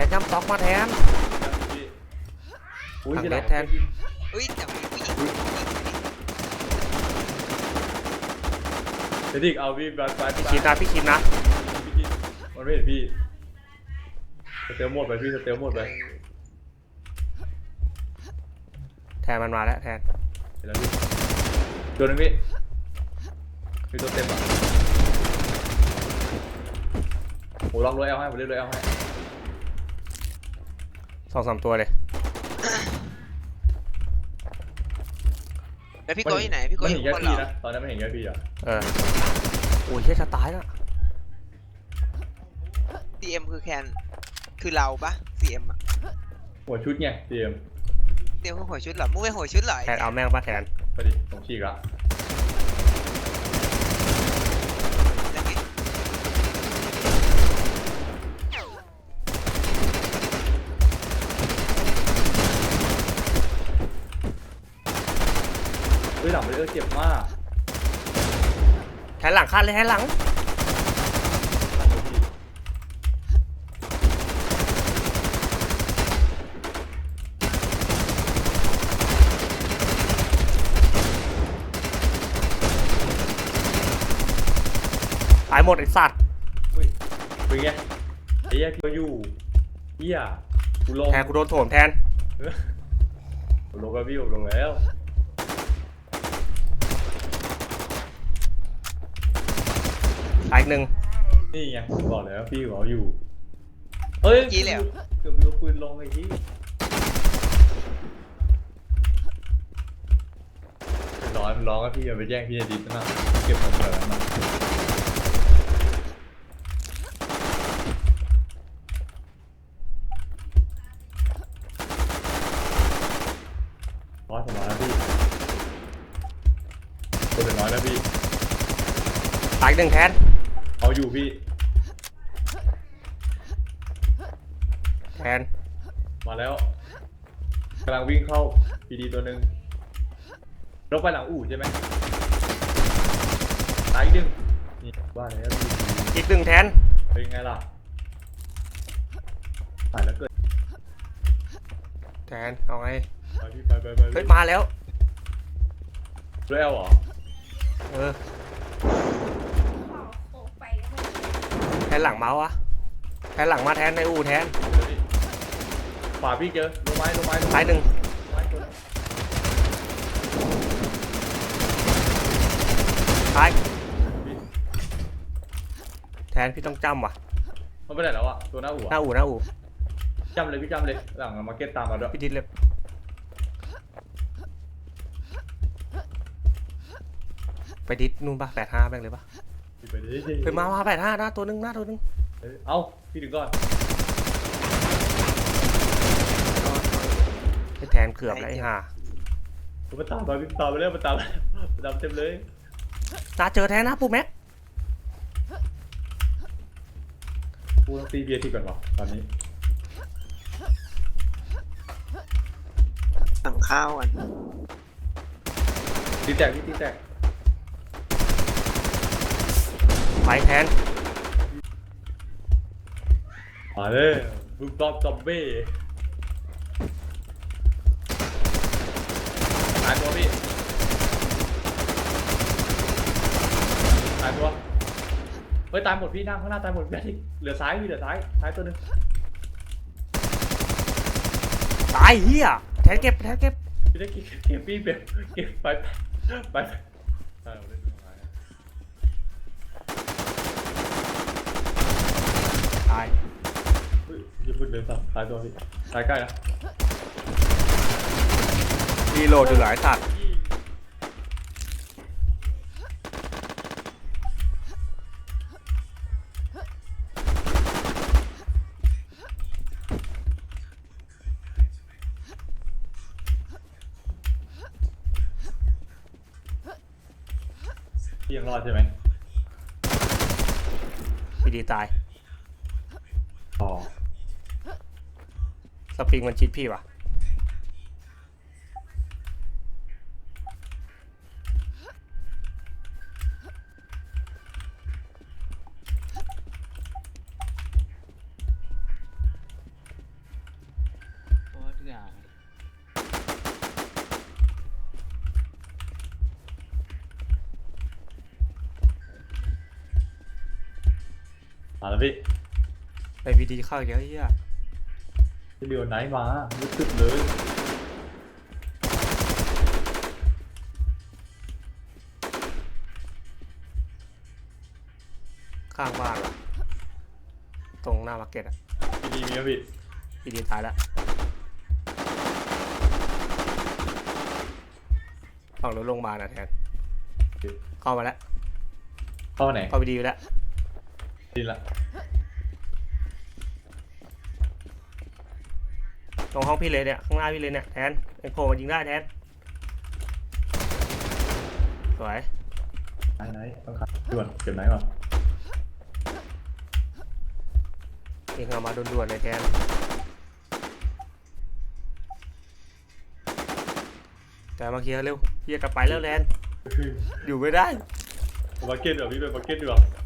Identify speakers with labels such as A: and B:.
A: นจำต็อกมาแทน
B: อุ้ย
A: ทาง
B: ที่
A: เล
B: หลั
A: ส
B: ง
A: แทน
C: อุ้ยแต่มีผู้หญิง
B: เดี๋ยวดิเอาพี่ไป
A: พี่คิดนะพี่คิดนะ
B: พี่มันไม่เห็นพี่สเตลหมดไปพี่สเตลหมดไป
A: แทนมันมาแล้วแทน
B: เห็นแล้วพี่ตัวนึงพี่มีตัวเต็มอ่ะผมลองรวยเอาให้ผมเรียกรวยเอาให้
A: 2-3 ตัวเลย
C: แล้วพี่โก้ที่ไหนพี่โก้
B: มัน
C: อ
B: เห็
C: ยู่
B: น
C: ข้า
B: แค่
C: งบนเหร
B: พี่
C: อ
B: นะตอนนั้นไม่เห็นแค่พี่อ่ะ
A: โอ้ยเฮียจะตายแล้ว
C: CM คือแคนคือเราปะ CM อ่ะ
B: หัวชุดไงเตรียม
C: CM คือหัวชุดเหรอมึงเป็นหัวชุดเหรอ
A: แทนเอาแม่งปะแทน
B: ไปดิผมฉีกละ
C: ยังไง
B: เฮ้ยหลังไปเลยเจ็บมาก
A: แทนหลังคันเลยแทนหลังตายหมดไอ้สัตว์
B: เฮ้ยเป็นไงไอ้เหี้ยพี่ก็อยู่เหี้ยกูลง
A: แทนกูโดนโถมแทน
B: ผมลงแล้วพี่ผมลงแล้ว
A: ตายอีกหนึ่ง
B: นี่ไงผมบอกแล้วพี่เขาอยู่เฮ้ยเกือบเอาปืนลงไอ้ที่ร้อนก็พี่อย่าไปแย่งพี่ดิบนะเก็บของเถอะนะร้อยผมร้อยแล้วพี่คนเหลือน้อยแล้วพี่
A: ตายอีกหนึ่งแทน
B: เอาอยู่พี่
A: แทน
B: มาแล้วกำลังวิ่งเข้าพีดีตัวหนึ่งรถไปหลังอู่ใช่ไหมตายอีกหนึ่งนี่ว่าแล้วพี่
A: อีกหนึ่งแทน
B: เป็นไงล่ะตายแล้วเกิด
A: แทนเอาไง
B: ไปพี่ไป
A: เฮ้ยมาแล้ว
B: รถแอลเหรอ
A: เออแทนหลังเมาส์วะแทนหลังมาแทนในอู่แทน
B: เดี๋ยวดิขวาพี่เจอลงไม้
A: ตายหนึ่ง
B: ไม้ตัวนึง
A: ตาย
B: พี่
A: แทนพี่ต้องจำว่ะ
B: มันไปไหนแล้วอะตัวหน้าอู่
A: หน้าอู่หน้าอู่
B: จำเลยพี่จำเลยหลังมาร์เก็ตตามมาด้วย
A: พี่ดิดเลยไปดิดนู่นปะ85แม่งเลยปะ
B: พี่ไปดิ
A: ไปมา85หน้าตัวหนึงหน้าตัวหนึง
B: เอ้าพี่ถึงก่อน
A: ไอ้แทนเกือบแล้วไอ้ห่า
B: มันตามมาพี่ตามไปเรื่อยมันตามเต็มเลย
A: ตาเจอแทนนะปุ๊แม็ก
B: กูต้องตีเบียร์ทีก่อนวะตอนนี้
C: สั่งข้าวกัน
B: ตีแตกพี่ตีแตก
A: ไปแทน
B: มาเลยบุกตอบซอมบี้ตายตัวพี่ตายตัวเฮ้ยตายหมดพี่นั่งข้างหน้าตายหมดพี่เหลือซ้ายพี่เหลือซ้ายตัวนึง
A: ตายเฮียแทนเก็บแทนเก็บ
B: พี่ได้เก็บพี่เก็บไปใช่ผมได้ดูตรงไหน
A: ตาย
B: เฮ้ยอย่าพูดเลยสัตว์ตายตัวพี่ตายใกล้นะ
A: รีโหลดอยู่หลายสัตว์
B: พี่ยังรอดใช่ไหม
A: พี่ดีตาย
B: อ๋อ
A: สปริงมันชิดพี่วะ
D: อย่า
B: มาแล้วพี่
A: ไปพีดีเข้าอีกแล้วไอ้เหี้ย
B: พี่เดียวไหนมารู้สึกเลย
A: ข้างบ้านว่ะตรงหน้ามาร์เก็ตอะ
B: พี่ดีมีไหมพี่
A: พีดีตายแล้วฝั่งรถโรงพยาบาลนะแทนเข้ามาแล้ว
B: เข้ามาไหน
A: เข้าไปดีแล้ว
B: ดีละ
A: ตรงห้องพี่เลยเนี่ยข้างหน้าพี่เลยเนี่ยแทนไอ้โผล่มายิงได้แทนสวย
B: ไหนต้องขัดด่วนเก็บไหนก่อน
A: เองเอามาด่วนๆเลยแทนแต่มาเคลียร์เร็วเคลียร์กลับไปแล้วแลนอยู่ไม่ได้
B: บักเก็ตเหรอพี่เป็นบักเก็ตดีกว่า